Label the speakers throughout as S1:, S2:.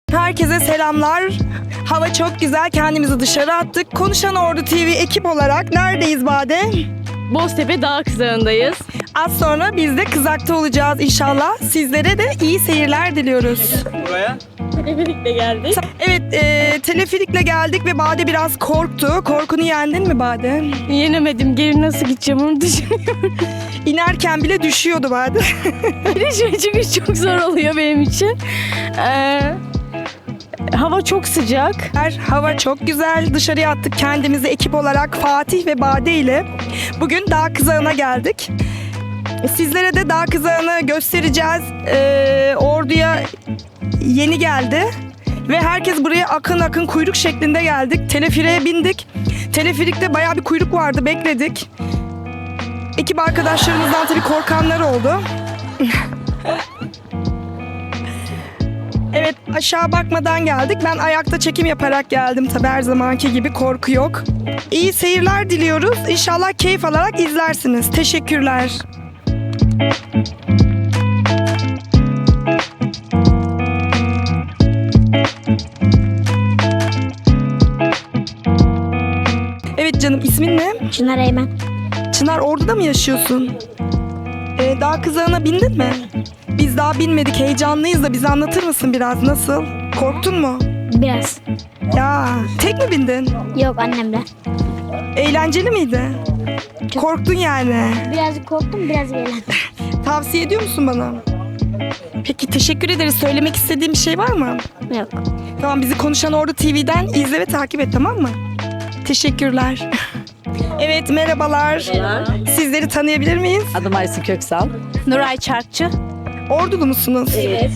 S1: Herkese selamlar. Hava çok güzel. Kendimizi dışarı attık. Konuşan Ordu TV ekip olarak neredeyiz Bade?
S2: Boztepe Dağ Kızağı'ndayız.
S1: Az sonra biz de Kızak'ta olacağız inşallah. Sizlere de iyi seyirler diliyoruz.
S3: Buraya.
S2: Teleferikle geldik.
S1: Evet, teleferikle geldik ve Bade biraz korktu. Korkunu yendin mi Bade?
S2: Yenemedim. Geri nasıl gideceğim onu düşünüyorum.
S1: İnerken bile düşüyordu Bade.
S2: Girişme çıkış çok zor oluyor benim için. Hava çok sıcak.
S1: Hava çok güzel. Dışarıya attık kendimizi ekip olarak Fatih ve Bade ile. Bugün Dağ Kızağı'na geldik. Sizlere de Dağ Kızağı'nı göstereceğiz. Ordu'ya yeni geldi. Ve herkes buraya akın akın kuyruk şeklinde geldik. Teleferiğe bindik. Teleferikte bayağı bir kuyruk vardı, bekledik. Ekip arkadaşlarımızdan tabii korkanlar oldu. Evet, aşağı bakmadan geldik. Ben ayakta çekim yaparak geldim tabii, her zamanki gibi korku yok. İyi seyirler diliyoruz. İnşallah keyif alarak izlersiniz. Teşekkürler. Evet canım, ismin ne?
S4: Çınar Eymen.
S1: Çınar, Ordu'da mı yaşıyorsun? Dağ Kızağı'na bindin mi? Biz daha binmedik, heyecanlıyız da bize anlatır mısın biraz, nasıl? Korktun mu?
S4: Biraz.
S1: Ya tek mi bindin?
S4: Yok, annemle.
S1: Eğlenceli miydi?
S4: Çok.
S1: Korktun yani.
S4: Birazcık korktum, biraz eğlendim.
S1: Tavsiye ediyor musun bana? Peki, teşekkür ederiz. Söylemek istediğin bir şey var mı?
S4: Yok.
S1: Tamam, bizi Konuşan Ordu TV'den izle ve takip et, tamam mı? Teşekkürler. Evet, merhabalar. Sizleri tanıyabilir miyiz?
S5: Adım Aysin Köksal.
S2: Nuray Çarkçı.
S1: Ordulu musunuz?
S5: Evet.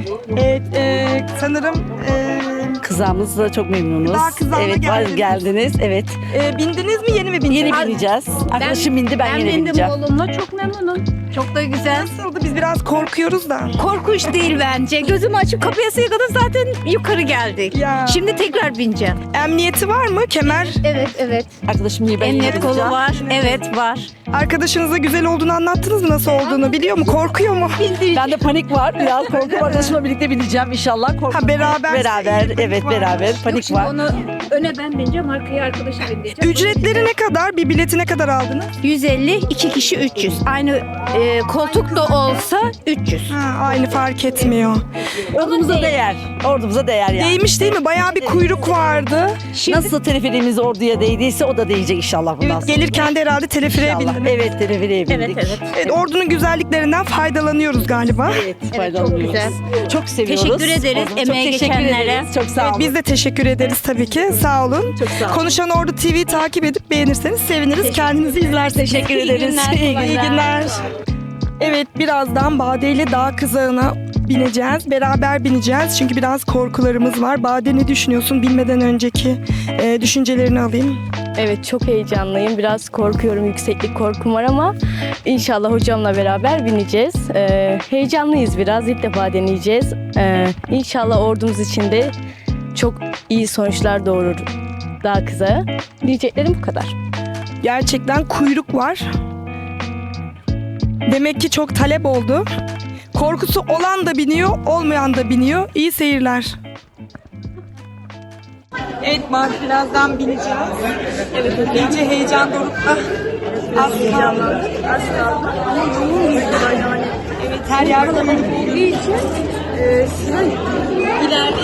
S1: Evet, sanırım
S5: Kızağımızla çok memnunuz.
S1: Dağ Kızağı'na
S5: evet,
S1: geldiniz.
S5: geldiniz. Evet.
S1: Bindiniz mi, yeni mi bindiniz?
S5: Yeni bineceğiz. Arkadaşım bindi, ben yeni bineceğim.
S6: Oğlumla çok memnunum. Çok da güzel.
S1: Nasıldı? Biz biraz korkuyoruz da.
S6: Korkunç değil bence. Gözümü açıp kapıya kadar zaten yukarı geldik.
S1: Ya.
S6: Şimdi tekrar bineceğim.
S1: Emniyeti var mı? Kemer?
S6: Evet.
S5: Arkadaşım iyi, ben yeni
S6: Emniyet kolu
S5: bineceğim.
S6: var. Evet, var.
S1: Arkadaşınıza güzel olduğunu anlattınız mı? Nasıl olduğunu biliyor mu? Korkuyor mu?
S5: Bende panik var. Biraz korku var. Arkadaşımla birlikte bineceğim inşallah. Korku.
S1: Ha, beraber.
S5: Beraber. Evet, beraber. Panik
S6: Şimdi
S5: var.
S6: onu öne ben bineceğim, arkaya arkadaşım binecek.
S1: Ücretleri ne kadar? Bir bileti ne kadar aldınız?
S6: 150, 2 kişi 300. Aynı koltuk da olsa 300.
S1: Ha, aynı, fark etmiyor.
S5: Ordumuza değer. Ordumuza değer yani.
S1: Değmiş değil mi? Bayağı bir kuyruk vardı.
S5: Nasıl teleferiğimiz orduya değdiyse o da değecek inşallah bundan
S1: Evet,
S5: sonra.
S1: gelirken de herhalde teleferiğe
S5: İnşallah.
S1: bindiniz.
S5: Evet, teleferiğe bindik.
S1: Evet, Ordu'nun güzelliklerinden faydalanıyoruz galiba.
S5: Evet, faydalanıyoruz.
S6: güzel.
S5: Çok seviyoruz.
S6: Teşekkür ederiz
S5: Ordumuza.
S6: emeğe
S5: Çok teşekkür
S6: geçenlere.
S5: ederiz. Çok sağ
S1: Evet,
S5: olun.
S1: biz de teşekkür ederiz tabii ki. Sağ olun.
S5: Çok sağ olun.
S1: Konuşan Ordu TV'yi takip edip beğenirseniz seviniriz. Kendinizi izlerseniz.
S5: Teşekkür ederiz.
S1: İyi günler. Evet, birazdan Bade ile Dağ Kızağı'na bineceğiz. Beraber bineceğiz çünkü biraz korkularımız var. Bade, ne düşünüyorsun? Bilmeden önceki düşüncelerini alayım.
S2: Evet, çok heyecanlıyım. Biraz korkuyorum. Yükseklik korkum var ama inşallah hocamla beraber bineceğiz. Heyecanlıyız biraz. İlk defa deneyeceğiz. İnşallah ordumuz için de çok iyi sonuçlar doğurur Dağ Kızağı. Diyeceklerim bu kadar.
S1: Gerçekten kuyruk var. Demek ki çok talep oldu. Korkusu olan da biniyor, olmayan da biniyor. İyi seyirler. Evet, birazdan bineceğiz. Evet, iyice heyecan dorukta. Az heyecanlandık. Az kaldı. Ama yoğun yani. Evet, her yer kalabalık olduğu için sıra ileride.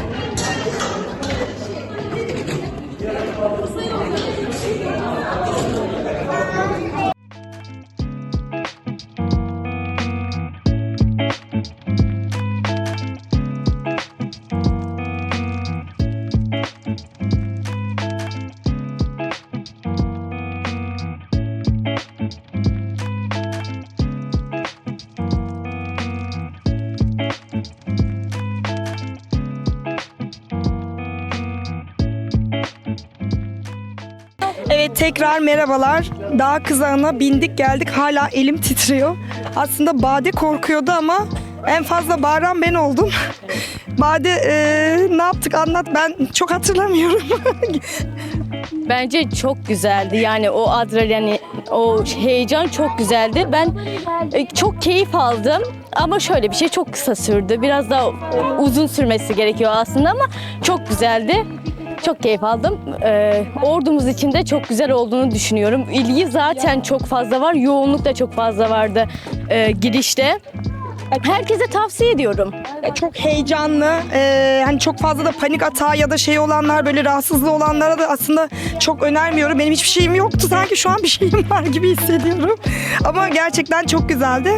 S1: Evet, tekrar merhabalar. Dağ Kızağı'na bindik geldik. Hala elim titriyor. Aslında Bade korkuyordu ama en fazla bağıran ben oldum. Bade, ne yaptık, anlat, ben çok hatırlamıyorum.
S2: Bence çok güzeldi. Yani o adrenalin, o heyecan çok güzeldi. Ben çok keyif aldım. Ama şöyle bir şey, çok kısa sürdü. Biraz daha uzun sürmesi gerekiyor aslında ama çok güzeldi. Çok keyif aldım. Ordumuz için de çok güzel olduğunu düşünüyorum. İlgi zaten çok fazla var. Yoğunluk da çok fazla vardı girişte. Herkese tavsiye ediyorum.
S1: Çok heyecanlı, hani çok fazla da panik atağı ya da şey olanlar, böyle rahatsızlığı olanlara da aslında çok önermiyorum. Benim hiçbir şeyim yoktu, sanki şu an bir şeyim var gibi hissediyorum. Ama gerçekten çok güzeldi.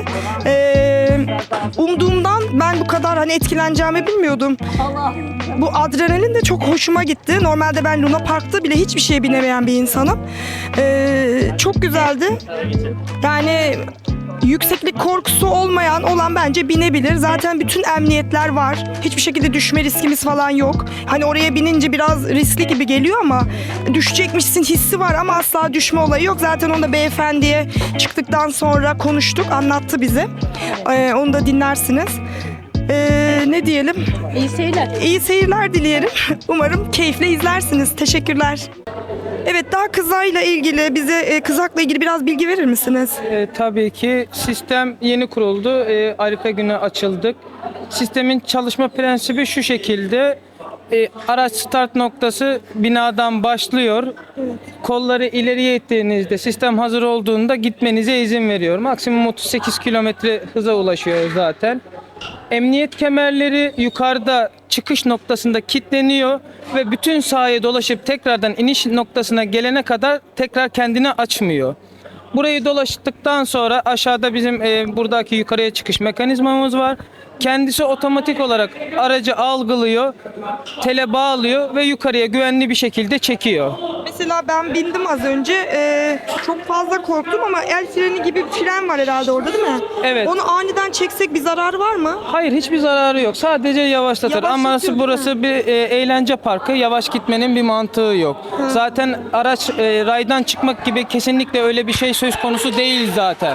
S1: Umduğumdan ben bu kadar hani etkileneceğimi bilmiyordum. Bu adrenalin de çok hoşuma gitti. Normalde ben Luna Park'ta bile hiçbir şeye binemeyen bir insanım. Çok güzeldi. Yani yükseklik korkusu olan bence binebilir. Zaten bütün emniyetler var. Hiçbir şekilde düşme riskimiz falan yok. Hani oraya binince biraz riskli gibi geliyor ama düşecekmişsin hissi var ama asla düşme olayı yok. Zaten onu da beyefendiye çıktıktan sonra konuştuk, anlattı bize. Onu da dinlersiniz. Ne diyelim?
S2: İyi seyirler.
S1: İyi seyirler dileyelim. Umarım keyifle izlersiniz. Teşekkürler. Evet, dağ kızağıyla ilgili bize kızakla ilgili biraz bilgi verir misiniz?
S3: Tabii ki sistem yeni kuruldu. Arife günü açıldık. Sistemin çalışma prensibi şu şekilde. Araç start noktası binadan başlıyor. Kolları ileriye ittiğinizde, sistem hazır olduğunda gitmenize izin veriyor. Maksimum 38 kilometre hıza ulaşıyor zaten. Emniyet kemerleri yukarıda çıkış noktasında kilitleniyor ve bütün sahaya dolaşıp tekrardan iniş noktasına gelene kadar tekrar kendini açmıyor. Burayı dolaştıktan sonra aşağıda bizim buradaki yukarıya çıkış mekanizmamız var. Kendisi otomatik olarak aracı algılıyor, tele bağlıyor ve yukarıya güvenli bir şekilde çekiyor.
S1: Mesela ben bindim az önce. Çok fazla korktum ama el freni gibi bir fren var herhalde orada, değil mi?
S3: Evet.
S1: Onu aniden çeksek bir zararı var mı?
S3: Hayır, hiçbir zararı yok. Sadece yavaşlatır. Ama
S1: Yavaşlatıyor,
S3: burası bir eğlence parkı. Yavaş gitmenin bir mantığı yok. Zaten araç raydan çıkmak gibi kesinlikle öyle bir şey söz konusu değil zaten.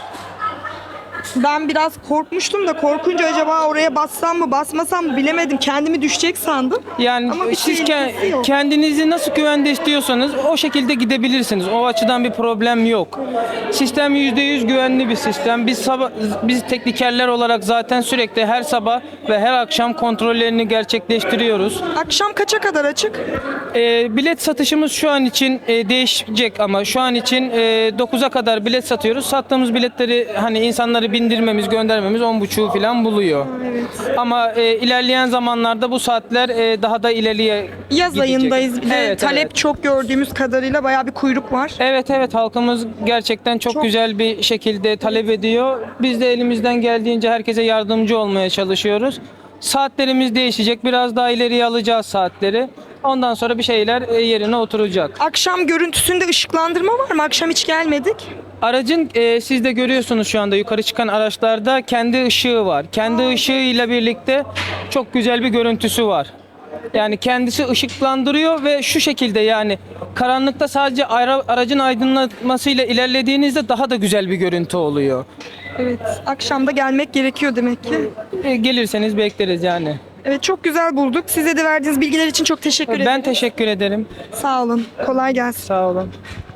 S1: Ben biraz korkmuştum da, korkunca acaba oraya bassam mı basmasam mı bilemedim. Kendimi düşecek sandım.
S3: Yani
S1: Ama bir
S3: siz
S1: tehlikesi yok.
S3: kendinizi nasıl güvende istiyorsanız o şekilde gidebilirsiniz. O açıdan bir problem yok. Sistem %100 güvenli bir sistem. Biz teknikerler olarak zaten sürekli her sabah ve her akşam kontrollerini gerçekleştiriyoruz.
S1: Akşam kaça kadar açık?
S3: Bilet satışımız şu an için değişecek ama şu an için 9'a kadar bilet satıyoruz. Sattığımız biletleri hani insanları bindirmemiz, göndermemiz 10.30'u falan buluyor.
S1: Evet.
S3: Ama ilerleyen zamanlarda bu saatler daha da ileriye
S1: Yaz
S3: gidecek.
S1: ayındayız. Bir de
S3: Evet,
S1: talep
S3: evet.
S1: çok, gördüğümüz kadarıyla bayağı bir kuyruk var.
S3: Evet, halkımız gerçekten çok güzel bir şekilde talep ediyor. Biz de elimizden geldiğince herkese yardımcı olmaya çalışıyoruz. Saatlerimiz değişecek. Biraz daha ileriye alacağız saatleri. Ondan sonra bir şeyler yerine oturacak.
S1: Akşam görüntüsünde ışıklandırma var mı? Akşam hiç gelmedik.
S3: Aracın siz de görüyorsunuz şu anda yukarı çıkan araçlarda kendi ışığı var. Kendi ışığıyla birlikte çok güzel bir görüntüsü var. Yani kendisi ışıklandırıyor ve şu şekilde, yani karanlıkta sadece aracın aydınlatmasıyla ilerlediğinizde daha da güzel bir görüntü oluyor.
S1: Evet, akşam da gelmek gerekiyor demek ki.
S3: Gelirseniz bekleriz yani.
S1: Evet, çok güzel bulduk. Size de verdiğiniz bilgiler için çok teşekkür ederim.
S3: Ben teşekkür ederim.
S1: Sağ olun. Kolay gelsin.
S3: Sağ olun.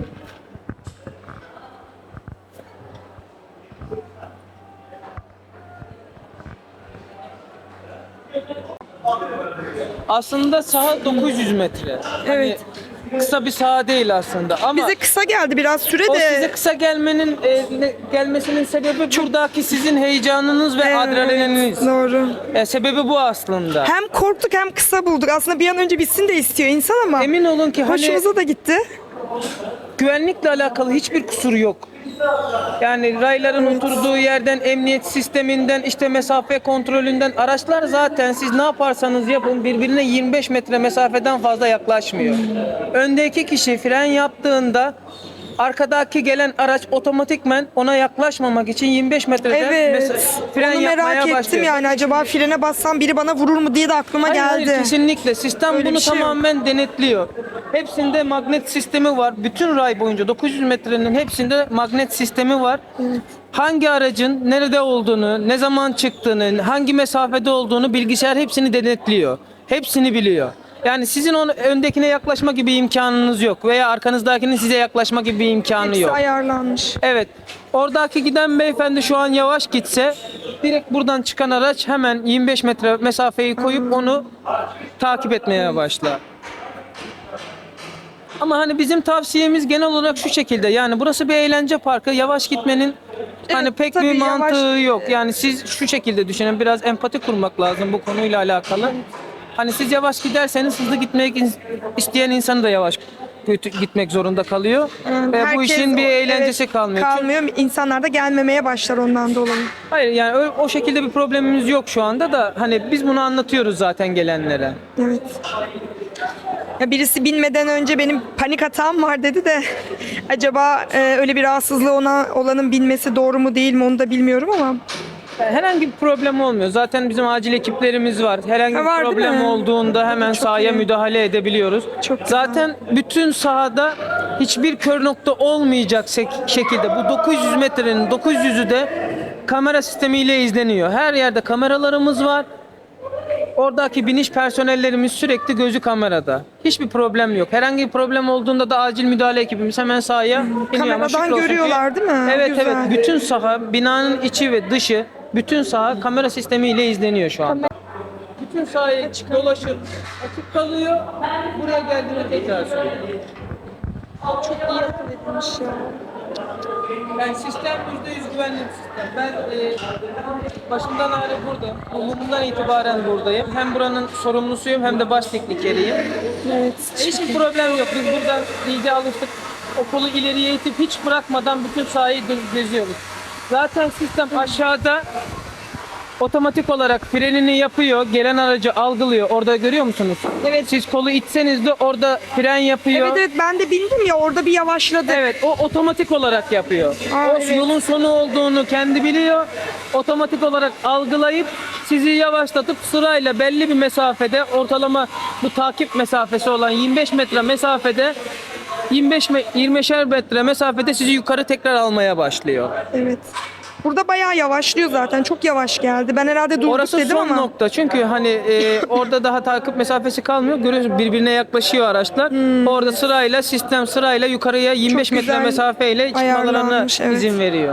S3: Aslında saha 900 metre.
S1: Evet.
S3: Hani kısa bir saha değil aslında ama
S1: Bize kısa geldi biraz süre
S3: o
S1: de.
S3: size kısa gelmesinin sebebi buradaki sizin heyecanınız ve
S1: Evet,
S3: adrenalininiz.
S1: doğru.
S3: Sebebi bu aslında.
S1: Hem korktuk hem kısa bulduk. Aslında bir an önce bitsin de istiyor insan ama
S3: Emin olun ki hani
S1: hoşumuza da gitti.
S3: güvenlikle alakalı hiçbir kusur yok. Yani rayların oturduğu yerden, emniyet sisteminden, işte mesafe kontrolünden, araçlar zaten siz ne yaparsanız yapın birbirine 25 metre mesafeden fazla yaklaşmıyor. Öndeki kişi fren yaptığında arkadaki gelen araç otomatikmen ona yaklaşmamak için 25 metreden
S1: Evet.
S3: fren
S1: Onu
S3: yapmaya
S1: merak ettim
S3: başlıyor.
S1: yani, acaba frene bassam biri bana vurur mu diye de aklıma
S3: Hayır,
S1: geldi.
S3: kesinlikle. Sistem
S1: Öyle
S3: bunu
S1: bir şey yok.
S3: tamamen denetliyor. Hepsinde magnet sistemi var. Bütün ray boyunca 900 metrenin hepsinde magnet sistemi var. Hangi aracın nerede olduğunu, ne zaman çıktığını, hangi mesafede olduğunu bilgisayar hepsini denetliyor. Hepsini biliyor. Yani sizin öndekine yaklaşma gibi imkanınız yok veya arkanızdakinin size yaklaşma gibi bir imkanı
S1: Hepsi
S3: yok.
S1: ayarlanmış.
S3: Evet. Oradaki giden beyefendi şu an yavaş gitse direkt buradan çıkan araç hemen 25 metre mesafeyi koyup onu takip etmeye başlar. Ama hani bizim tavsiyemiz genel olarak şu şekilde. Yani burası bir eğlence parkı. Yavaş gitmenin hani
S1: Evet,
S3: pek
S1: tabii
S3: bir
S1: yavaş-
S3: mantığı yok. Yani siz şu şekilde düşünün. Biraz empati kurmak lazım bu konuyla alakalı. Hani siz yavaş giderseniz hızlı gitmek isteyen insan da yavaş gitmek zorunda kalıyor. Ve bu
S1: Herkes
S3: işin bir eğlencesi
S1: evet,
S3: kalmıyor.
S1: Kalmıyor. İnsanlar da gelmemeye başlar ondan dolayı.
S3: Hayır yani o şekilde bir problemimiz yok şu anda da hani biz bunu anlatıyoruz zaten gelenlere.
S1: Evet. Ya birisi binmeden önce benim panik atağım var dedi de acaba öyle bir rahatsızlığı olanın binmesi doğru mu değil mi onu da bilmiyorum ama
S3: Herhangi bir problem olmuyor. Zaten bizim acil ekiplerimiz var. Herhangi bir
S1: var değil
S3: problem
S1: mi?
S3: olduğunda hemen sahaya
S1: iyi.
S3: müdahale edebiliyoruz.
S1: Çok güzel.
S3: Zaten bütün sahada hiçbir kör nokta olmayacak şekilde bu 900 metrenin 900'ü de kamera sistemiyle izleniyor. Her yerde kameralarımız var. Oradaki biniş personellerimiz sürekli gözü kamerada. Hiçbir problem yok. Herhangi bir problem olduğunda da acil müdahale ekibimiz hemen sahaya iniyor. Ama
S1: kameradan
S3: şükür olsun ki-
S1: görüyorlar değil mi?
S3: Evet
S1: Güzel.
S3: evet. Bütün saha, binanın içi ve dışı, bütün saha kamera sistemiyle izleniyor şu anda. Bütün sahaya dolaşıp açık kalıyor. Buraya geldiğinde tekrar söylüyor.
S1: Çok iyi akıl etmiş ya.
S3: Yani sistem %100 güvenli bir sistem. Ben başından beri burada, umumdan itibaren buradayım. Hem buranın sorumlusuyum hem de baş teknikeriyim.
S1: Evet.
S3: Hiçbir problem yok. Biz burada iyice alıştık. Okulu ileriye itip hiç bırakmadan bütün sahayı geziyoruz. Zaten sistem aşağıda otomatik olarak frenini yapıyor. Gelen aracı algılıyor. Orada görüyor musunuz?
S1: Evet.
S3: Siz kolu itseniz de orada fren yapıyor.
S1: Evet evet ben de bindim ya orada bir yavaşladı.
S3: Evet, o otomatik olarak yapıyor.
S1: Aa,
S3: O
S1: evet.
S3: yolun sonu olduğunu kendi biliyor. Otomatik olarak algılayıp sizi yavaşlatıp sırayla belli bir mesafede ortalama bu takip mesafesi olan 25 metre mesafede 20'şer metre mesafede sizi yukarı tekrar almaya başlıyor.
S1: Evet. Burada bayağı yavaşlıyor zaten. Çok yavaş geldi. Ben herhalde durduk
S3: Orası
S1: dedim
S3: son
S1: ama.
S3: nokta. Çünkü hani orada daha takip mesafesi kalmıyor. Görüyorsunuz birbirine yaklaşıyor araçlar. Orada sistem sırayla yukarıya 25 metre
S1: güzel
S3: mesafeyle çıkmalarına
S1: ayarlanmış, evet.
S3: izin veriyor.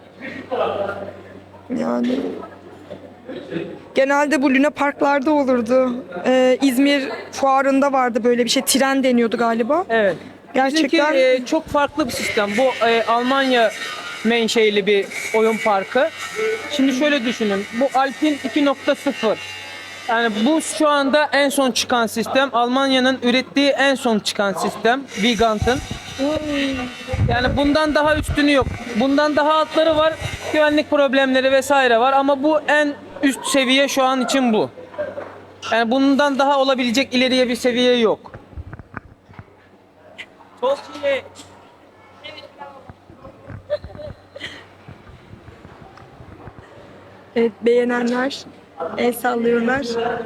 S1: Yani. Genelde bu Luna Parklarda olurdu. İzmir fuarında vardı böyle bir şey. Tren deniyordu galiba.
S3: Evet.
S1: Gerçekten
S3: Bizimki çok farklı bir sistem. Bu Almanya menşeili bir oyun parkı. Şimdi şöyle düşünün. Bu Alpin 2.0. Yani bu şu anda en son çıkan sistem. Almanya'nın ürettiği en son çıkan sistem. Vigant'ın. Yani bundan daha üstünü yok. Bundan daha altları var. Güvenlik problemleri vesaire var ama bu en üst seviye şu an için bu. Yani bundan daha olabilecek ileriye bir seviye yok. Çok iyi.
S1: evet, beğenenler el sallıyorlar.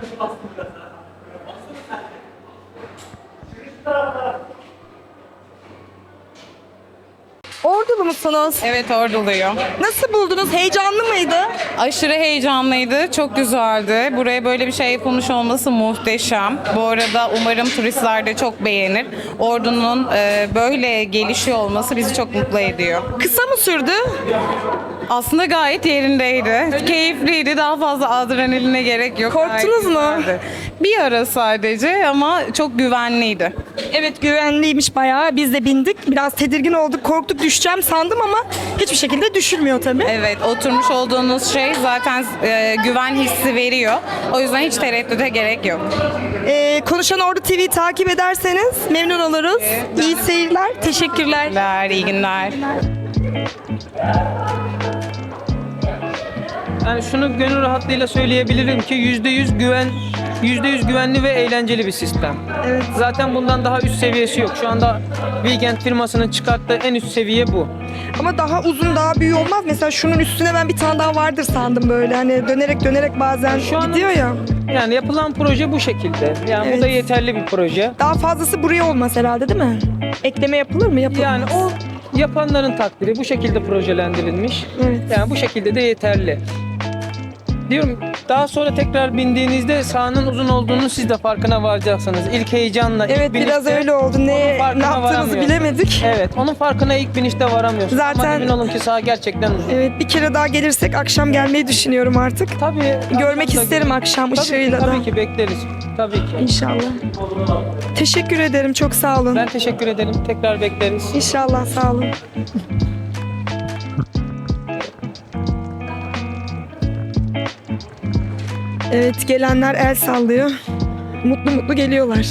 S1: Ordulu musunuz?
S7: Evet orduluyum.
S1: Nasıl buldunuz? Heyecanlı mıydı?
S7: Aşırı heyecanlıydı, çok güzeldi. Buraya böyle bir şey yapılmış olması muhteşem. Bu arada umarım turistler de çok beğenir. Ordunun böyle gelişiyor olması bizi çok mutlu ediyor.
S1: Kısa mı sürdü?
S7: Aslında gayet yerindeydi. Keyifliydi, daha fazla adrenaline gerek yok.
S1: Korktunuz mu?
S7: Gayet güzeldi. Bir ara sadece ama çok güvenliydi.
S1: Evet güvenliymiş bayağı. Biz de bindik. Biraz tedirgin olduk, korktuk düşeceğim sandım ama hiçbir şekilde düşürmüyor tabii.
S7: Evet, oturmuş olduğunuz şey zaten güven hissi veriyor. O yüzden hiç tereddüte gerek yok.
S1: Konuşan Ordu TV'yi takip ederseniz memnun oluruz. İyi seyirler. Teşekkürler.
S7: İyi günler.
S3: Yani şunu gönül rahatlığıyla söyleyebilirim ki %100 güvenli ve eğlenceli bir sistem.
S1: Evet.
S3: Zaten bundan daha üst seviyesi yok. Şu anda Weekend firmasının çıkarttığı en üst seviye bu.
S1: Ama daha uzun, daha büyük olmaz. Mesela şunun üstüne ben bir tane daha vardır sandım böyle. Hani dönerek bazen
S3: Şu an-
S1: gidiyor ya.
S3: Yani yapılan proje bu şekilde. Yani
S1: Evet.
S3: bu da yeterli bir proje.
S1: Daha fazlası buraya olmaz herhalde değil mi? Ekleme yapılır mı? Yapılmaz.
S3: Yani o yapanların takdiri bu şekilde projelendirilmiş.
S1: Evet.
S3: Yani bu şekilde de yeterli. Diyorum Daha sonra tekrar bindiğinizde sahanın uzun olduğunu siz de farkına varacaksınız. İlk heyecanla, ilk
S1: Evet, biraz
S3: binişte
S1: öyle oldu.
S3: onun
S1: Ne
S3: farkına
S1: yaptığımızı
S3: varamıyorsun.
S1: bilemedik.
S3: Evet, onun farkına ilk binişte varamıyorsun. Ama
S1: Zaten-
S3: emin olun ki saha gerçekten uzun.
S1: Evet, bir kere daha gelirsek akşam gelmeyi düşünüyorum artık.
S3: Tabii.
S1: Görmek
S3: akşam da
S1: isterim
S3: gelin.
S1: akşam
S3: Tabii ki,
S1: ışığıyla da.
S3: Tabii ki bekleriz. Tabii ki.
S1: İnşallah. Teşekkür ederim. Çok sağ olun.
S3: Ben teşekkür ederim. Tekrar bekleriz.
S1: İnşallah, sağ olun. Evet, gelenler el sallıyor. Mutlu mutlu geliyorlar.